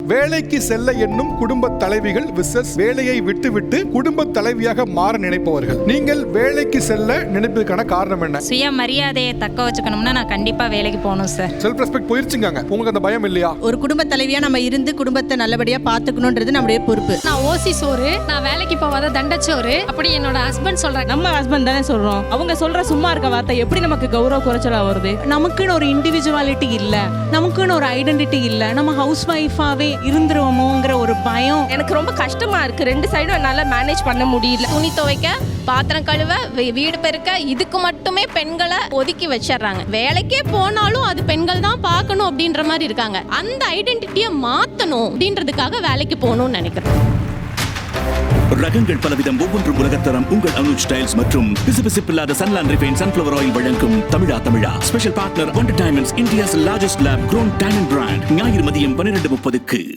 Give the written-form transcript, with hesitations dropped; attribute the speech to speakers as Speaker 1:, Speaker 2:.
Speaker 1: வேலைக்கு செல்ல எண்ணும் குடும்ப தலைவிகள் விசஸ் வேலையை விட்டுவிட்டு குடும்ப தலைவியாக மாற நினைப்பவர்கள். நீங்கள் வேலைக்கு செல்ல நினைப்பதற்கான காரணம் என்ன?
Speaker 2: சுய மரியாதையை தக்க வச்சுக்கணும்னா நான் கண்டிப்பா வேலைக்கு போகணும் சார்.
Speaker 1: Self respect போயிருச்சுங்க. உங்களுக்கு அந்த பயம் இல்லையா?
Speaker 3: ஒரு குடும்ப தலைவியா நம்ம இருந்து குடும்பத்தை நல்லபடியா பாத்துக்கணும்ன்றது நம்முடைய பொறுப்பு.
Speaker 4: நான் ஓசி சோறு, நான் வேலைக்கு போவாத தண்டச்சோறு அப்படி என்னோட ஹஸ்பண்ட் சொல்றாங்க.
Speaker 5: நம்ம ஹஸ்பண்ட் தானே சொல்றோம். அவங்க சொல்ற சும்மா இருக்க வார்த்தை எப்படி நமக்கு கௌரவ குறைச்சலா வருது?
Speaker 6: நமக்குன்னு ஒரு இண்டிவிஜுவாலிட்டி இல்ல, நமக்குன்னு ஒரு ஐடென்டிட்டி இல்ல, நம்ம ஹவுஸ் ஒய்ஃபாவே இருந்துருவோமோங்கிற ஒரு பயம்
Speaker 7: எனக்கு ரொம்ப கஷ்டமா இருக்கு. ரெண்டு சைடும் என்னால மேனேஜ் பண்ண முடியல. துணி துவைக்க, பாத்திரம் கழுவ, வீடு பெருக்க, இதுக்கு மட்டுமே பெண்களை ஒதுக்கி வச்சிடறாங்க. வேலைக்கே போனாலும் அது பெண்கள் தான் பார்க்கணும் அப்படின்ற மாதிரி இருக்காங்க. அந்த ஐடென்டிட்டியை மாத்தணும் அப்படின்றதுக்காக வேலைக்கு போகணும்னு நினைக்கிறேன்.
Speaker 8: ரகங்கள் பலவிதம், ஒவ்வொன்றும் உலகத்தரம். உங்கள் அனுஜ் ஸ்டைல்ஸ் மற்றும் பிசுபிசுப்பில்லாத சன்லாண்ட் ரிஃபைன் சன்ஃப்ளவர் ஆயில் வழங்கும் தமிழா special partner Wonder Diamonds, India's largest lab grown diamond brand. ஞாயிறு மதியம் 12:30க்கு.